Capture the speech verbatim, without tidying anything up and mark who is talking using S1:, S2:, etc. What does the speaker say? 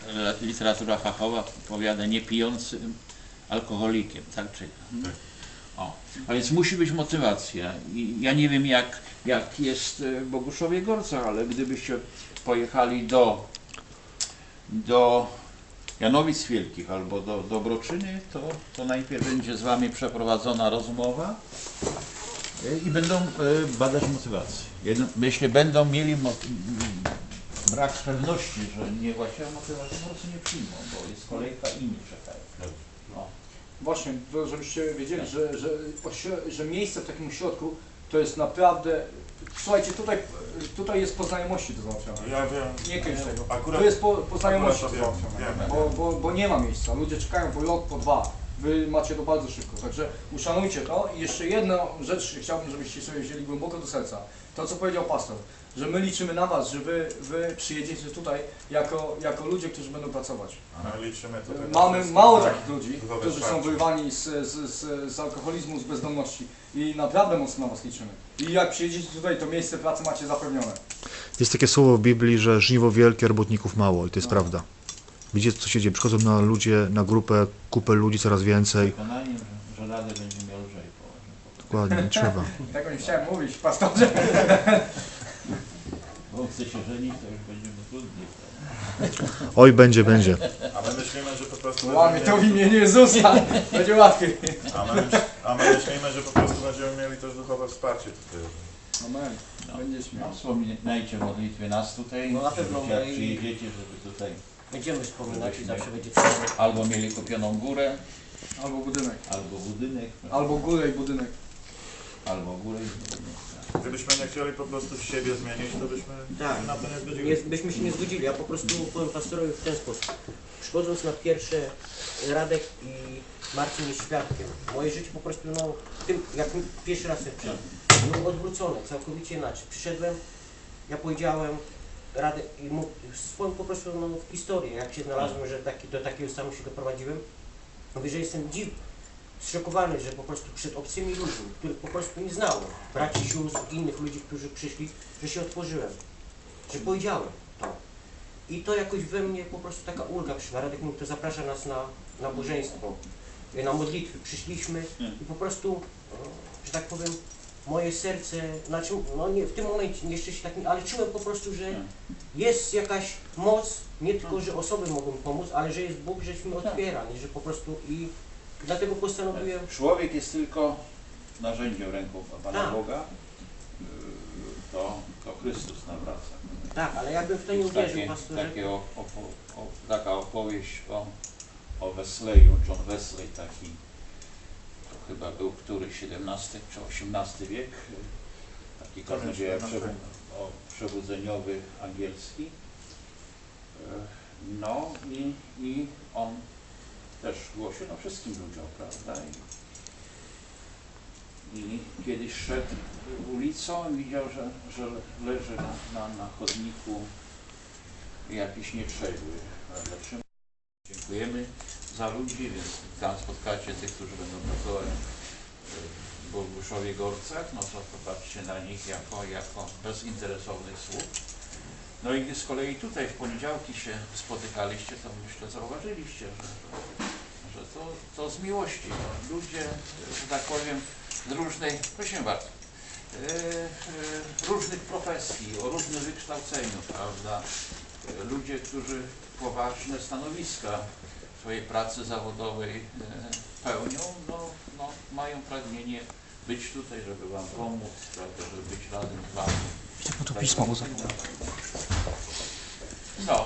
S1: literatura fachowa powiada niepijącym alkoholikiem, tak? Czy, hmm? O. A więc musi być motywacja. I ja nie wiem jak, jak jest w Boguszowie Gorcach, ale gdybyście pojechali do, do Janowic Wielkich albo do Dobroczyny, to, to najpierw będzie z wami przeprowadzona rozmowa i będą badać motywację. Jeśli będą mieli brak pewności, że nie właściwa motywacja, po prostu nie przyjmą, bo jest kolejka i nie czekają. No.
S2: Właśnie, to żebyście wiedzieli, że, że, że miejsce w takim ośrodku to jest naprawdę. Słuchajcie, tutaj, tutaj jest po znajomości to załatwione.
S3: Ja wiem.
S2: Nie kręć tego.
S3: Akurat,
S2: to jest po, po znajomości to
S3: wiem,
S2: załatwione.
S3: wiem,
S2: Bo, bo, bo nie ma miejsca. Ludzie czekają po rok, po dwa. Wy macie to bardzo szybko. Także uszanujcie to. I jeszcze jedną rzecz chciałbym, żebyście sobie wzięli głęboko do serca. To, co powiedział pastor, że my liczymy na was, że wy, wy przyjedziecie tutaj jako, jako ludzie, którzy będą pracować.
S3: my liczymy tutaj.
S2: Mamy mało takich ludzi,
S3: duchowe
S2: którzy są
S3: wsparcie.
S2: wyrwani z, z, z, z alkoholizmu, z bezdomności i naprawdę mocno na was liczymy. I jak przyjedziecie tutaj, to miejsce pracy macie zapewnione.
S4: Jest takie słowo w Biblii, że żniwo wielkie, robotników mało i to jest
S2: No.
S4: prawda. Widzicie, co się dzieje? Przychodzą na ludzie, na grupę, kupę ludzi coraz więcej.
S1: Przekonaniem, że, że radę będzie miał lżej położyć.
S4: Dokładnie, nie trzeba.
S2: Tego nie chciałem mówić, pastorze.
S1: Bo chce się żenić, to już będzie mu trudniej.
S4: Oj, będzie, będzie.
S3: A my myślimy, że po prostu
S2: Łamie to w
S3: będziemy mieli,
S2: imieniu Jezusa. Będzie łatwiej.
S3: a, my, myśl- a my myślimy, że po prostu będziemy mieli też duchowe wsparcie tutaj.
S2: Amen.
S1: No.
S2: Będziesz
S1: No,
S2: miał.
S1: wspominajcie w modlitwie nas tutaj,
S5: No na pewno,
S1: żebyście, jak
S5: no i-
S1: przyjedziecie, żeby tutaj
S5: Będziemy wspominać i
S1: Żebyśmy-
S5: zawsze będzie przyjemnie.
S1: albo mieli kupioną górę,
S2: Albo budynek.
S1: albo budynek,
S2: Albo górę i budynek.
S1: albo górę i budynek.
S3: Gdybyśmy nie chcieli po prostu siebie zmienić, to byśmy
S5: Tak.
S3: na to nie
S5: Nie,
S3: zgodzili.
S5: byśmy się nie zgodzili, ja po prostu powiem pastorowi w ten sposób. Przychodząc na pierwsze, Radek i Marcin jest świadkiem. Moje życie po prostu, no, tym, jak pierwszy raz przyszedłem, było odwrócone, całkowicie inaczej. Przyszedłem, ja powiedziałem, Radek, i mu, swoją po prostu no, w historię, jak się znalazłem, że taki, do takiego stanu się doprowadziłem, mówię, że jestem dziw, zszokowany, że po prostu przed obcymi ludźmi, których po prostu nie znałem, braci, sióstr, innych ludzi, którzy przyszli, że się otworzyłem, że powiedziałem to. I to jakoś we mnie po prostu taka ulga przyszła. Radek mówi, to zaprasza nas na nabożeństwo, na modlitwy. Przyszliśmy i po prostu, że tak powiem, moje serce, znaczy, no nie, w tym momencie jeszcze się tak nie, ale czułem po prostu, że jest jakaś moc, nie tylko, że osoby mogą pomóc, ale że jest Bóg, żeśmy otwiera, nie, że po prostu i dlatego postanowiłem.
S1: Człowiek jest tylko narzędziem ręką Pana
S5: Tak.
S1: Boga, Yy, to, to Chrystus nawraca.
S5: Tak, ale jakbym w to nie
S1: Jest
S5: uwierzył,
S1: takie,
S5: pastorze.
S1: takie o, o, o, taka opowieść o, o Wesleyu, John Wesley taki, to chyba był który siedemnasty czy osiemnasty wiek, yy, taki kaznodzieja przebu o przebudzeniowy angielski. Yy, No i, i on też głosił no, wszystkim ludziom, prawda? I, i kiedyś szedł ulicą i widział, że, że leży na, na, na chodniku jakiś nietrzeźwy. Prawda? Dziękujemy za ludzi, więc tam spotkacie tych, którzy będą pracować w Boguszowie Gorcach, no to popatrzcie na nich jako, jako bezinteresownych sług. No i z kolei tutaj w poniedziałki się spotykaliście, to myślę zauważyliście, że, że to, to z miłości. No, ludzie, że tak powiem, z różnej, proszę bardzo, yy, yy, różnych profesji, o różnym wykształceniu, prawda? Yy, ludzie, którzy poważne stanowiska w swojej pracy zawodowej yy, pełnią, no, no, mają pragnienie być tutaj, żeby wam pomóc, prawda, żeby być razem z wami.
S4: Jak to pismo